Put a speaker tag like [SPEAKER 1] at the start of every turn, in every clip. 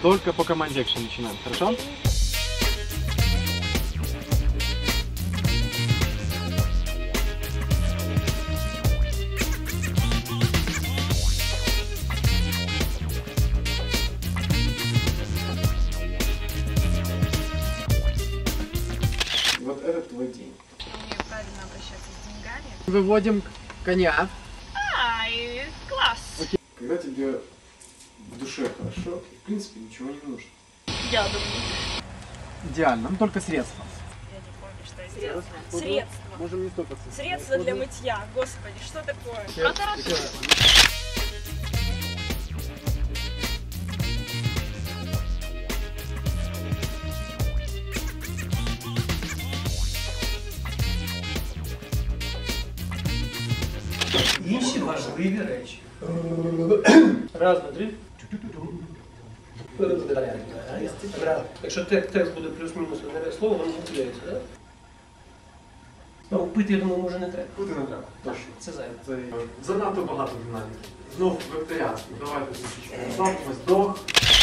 [SPEAKER 1] Только по команде экшен начинаем, хорошо? Вот это твой день.
[SPEAKER 2] Умею правильно обращаться с деньгами.
[SPEAKER 1] Выводим коня.
[SPEAKER 2] Ай, класс!
[SPEAKER 1] Окей. Когда тебе в душе хорошо, в принципе ничего не нужно.
[SPEAKER 2] Я думаю.
[SPEAKER 1] Идеально, но только средства.
[SPEAKER 2] Я не помню, что я сделала. Средства.
[SPEAKER 1] Можем не столько.
[SPEAKER 2] Средства для мытья. Господи, что такое?
[SPEAKER 3] Інші важливі речі. Раз, два, три. Якщо текст буде плюс-мінус одне слово, воно не тіряється, так? Ну, пити, я думаю, може не треба.
[SPEAKER 1] Куди не треба? Точно.
[SPEAKER 3] Це зайве.
[SPEAKER 1] Це занадто багато динаміки. Знов векторіанський. Давайте трішечки розслабимось. Вдох.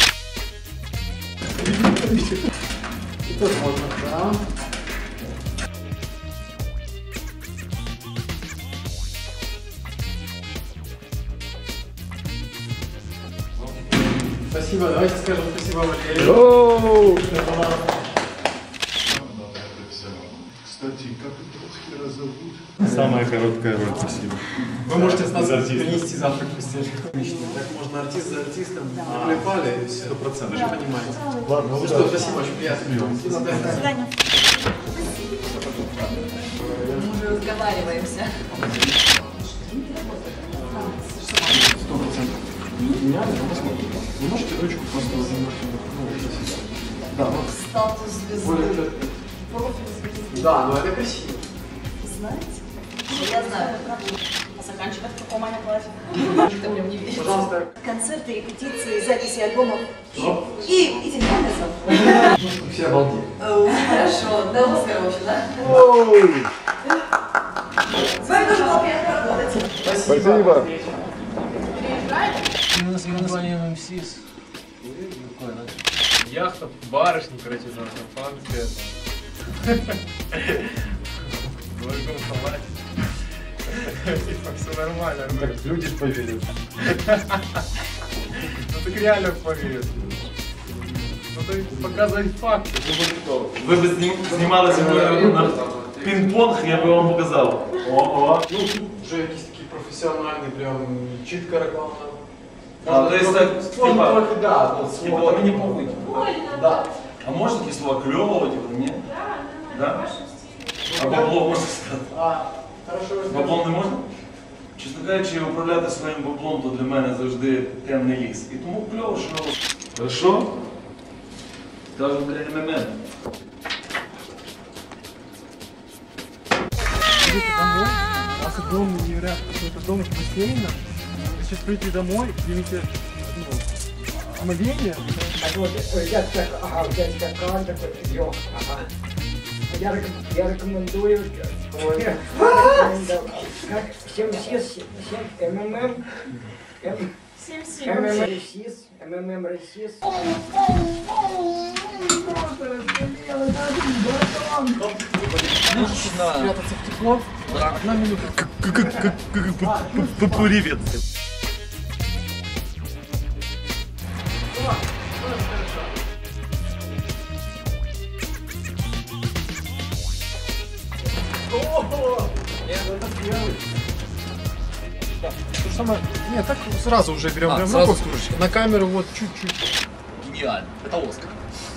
[SPEAKER 1] І тут можна, так. Спасибо, давайте скажем спасибо Валерию.
[SPEAKER 4] Кстати, как этого зовут?
[SPEAKER 5] Самая короткая роль, спасибо.
[SPEAKER 1] Вы можете с нас принести завтрак в постель. Так можно артист за артистом. Клепали и все. 100%. Вы же понимаете.
[SPEAKER 5] Ладно,
[SPEAKER 1] Ну что, спасибо, очень приятно. До
[SPEAKER 2] свидания.
[SPEAKER 6] Мы уже разговариваемся.
[SPEAKER 1] 100%. Меня посмотрите. Вы можете ручку просто немножко. Да, вот.
[SPEAKER 6] Статус звезды.
[SPEAKER 1] Да, но это красиво.
[SPEAKER 6] Знаете? Я знаю. А заканчивать в каком они классе? Ты мне не веришь.
[SPEAKER 1] Пожалуйста.
[SPEAKER 6] Концерты, репетиции, записи альбомов. И телефонов.
[SPEAKER 1] Все обалдели.
[SPEAKER 6] Хорошо. До Оскара вообще, да? С вами тоже было приятно работать.
[SPEAKER 1] Спасибо.
[SPEAKER 3] У нас є названня МСІС.
[SPEAKER 7] Яхта, барышни, короче, там шампанское. Двойком салат. Типа, все нормально.
[SPEAKER 1] Так люди поверят.
[SPEAKER 7] Ну так реально поверят. Ну то показывать факты.
[SPEAKER 5] Ви б знімалися на пінг-понг, я би вам показав. Ого.
[SPEAKER 1] Ну, тут вже якісь такі професіональні, прям чітка реклама.
[SPEAKER 5] А, то есть так, типа,
[SPEAKER 1] трохи, да, вот,
[SPEAKER 5] типа, мені похуй.
[SPEAKER 1] Да.
[SPEAKER 5] А можно такие слова клёвого, типа, нет? Да? А бабло можна сказати?
[SPEAKER 1] Хорошо.
[SPEAKER 5] Баблом не можна? Чесно кажучи, управляти своїм баблом, то для мене завжди темний ліс. І тому кльово, що... Хорошо? Кажу, блядь, МММ.
[SPEAKER 1] Идите домой, у вас огромный невероятно какой-то дом с бассейном. Вы сейчас придете домой, примите мгновение.
[SPEAKER 8] А вот я так, ага, у тебя стакан такой, лёг, ага. Я рекомендую, как 7 МММ, МММ Ресис, МММ Ресис.
[SPEAKER 1] Спрятаться в тепло. 1 минута.
[SPEAKER 5] Привет.
[SPEAKER 1] Самое... Нет, так сразу уже берем прям руку на камеру, вот чуть-чуть.
[SPEAKER 9] Гениально. Это Оскар.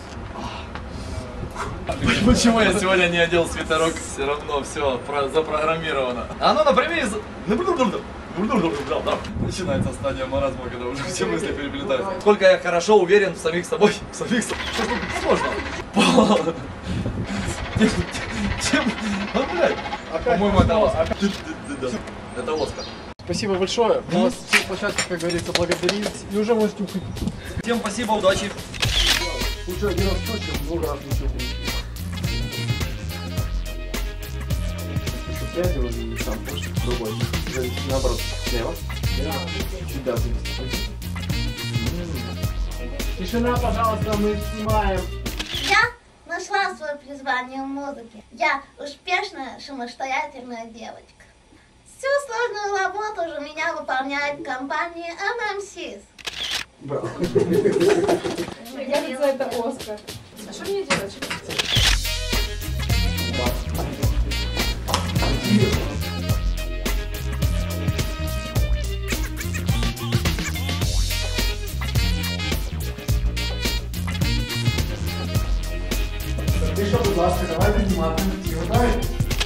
[SPEAKER 9] Почему я сегодня не одел свитерок? Все равно все запрограммировано. А ну, например, начинается стадия маразма, когда уже все мысли переплетаются. Сколько я хорошо уверен в самих собой. Сложно. Чем? Ну, блядь. По-моему, это Оскар. Это Оскар.
[SPEAKER 1] Спасибо большое. У нас площадка, как говорится, благодарит. И уже можете уходить.
[SPEAKER 9] Всем спасибо, удачи.
[SPEAKER 1] Лучше один раз точно, много раз ничего не учил. Еще 5 или там больше, другой. Наоборот, слева. Чуть да, завести.
[SPEAKER 8] Тишина, пожалуйста, мы снимаем.
[SPEAKER 10] Я нашла свое призвание в музыке. Я успешная, самостоятельная девочка. Всю сложную работу же меня выполняет компания MMCs.
[SPEAKER 8] Браво.
[SPEAKER 6] Мне кажется, это Оскар. А что мне делать?
[SPEAKER 8] Тише, будь ласка, давайте знімати. Готові?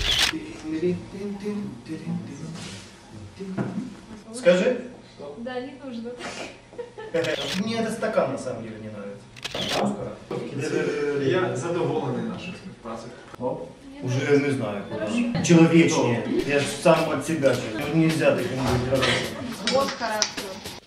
[SPEAKER 1] Скажи.
[SPEAKER 6] Да, не нужно.
[SPEAKER 1] Мне этот стакан на самом деле не нравится. Я задоволений нашим співпрацею.
[SPEAKER 11] Уже не знаю. Человечнее. Я ж сам от себя. Нельзя таким быть хорошим.
[SPEAKER 6] Вот характер.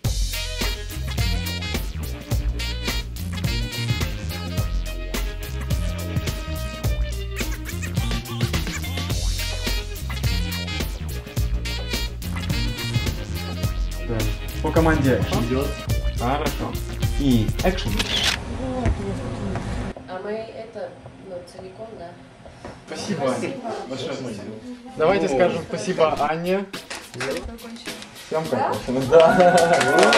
[SPEAKER 7] По команде идет. Хорошо. И экшен.
[SPEAKER 6] А мы это, целиком, да?
[SPEAKER 7] Спасибо. Большое спасибо. Давайте скажем спасибо Анне. Съемка окончена. Да.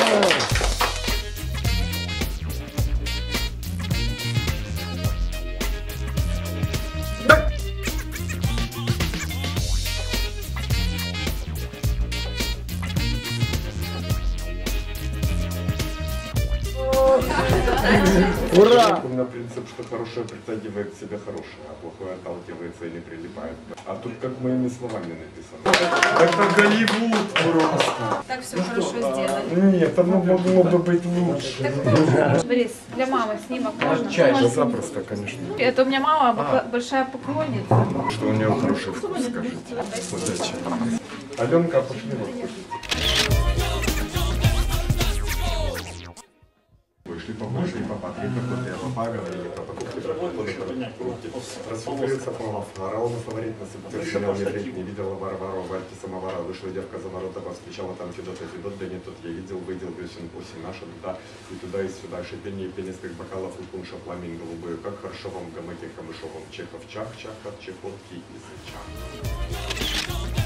[SPEAKER 4] Ура! У меня принцип, что хорошее притягивает к себе хорошее, а плохое отталкивается и не прилипает. А тут как моими словами написано. Это Голливуд просто.
[SPEAKER 6] Так все хорошо сделали.
[SPEAKER 4] Нет, оно могло бы быть лучше.
[SPEAKER 6] Борис, для мамы снимок можно?
[SPEAKER 4] Да запросто, конечно.
[SPEAKER 6] Это у меня мама большая поклонница.
[SPEAKER 4] Что у нее хороший вкус, скажите. Удачи. Аленка, пошли вот. Шли по Польше и по Патрике, по говорили про покупки, расфуфырился Павлов, орал на фаворит, на субтитрировал медведь, не видела Варвару, Вальки самовара, вышла девка за ворота, восклицала там Федот, да не тот, я видел, выйдел, весен, осень наша, да, и туда, и сюда, шипение и пенис, как бокалов, и пунша, пламень голубой, как хорошо вам в гамаке камышовом, Чехов, чах, чах, от чехотки и зычах.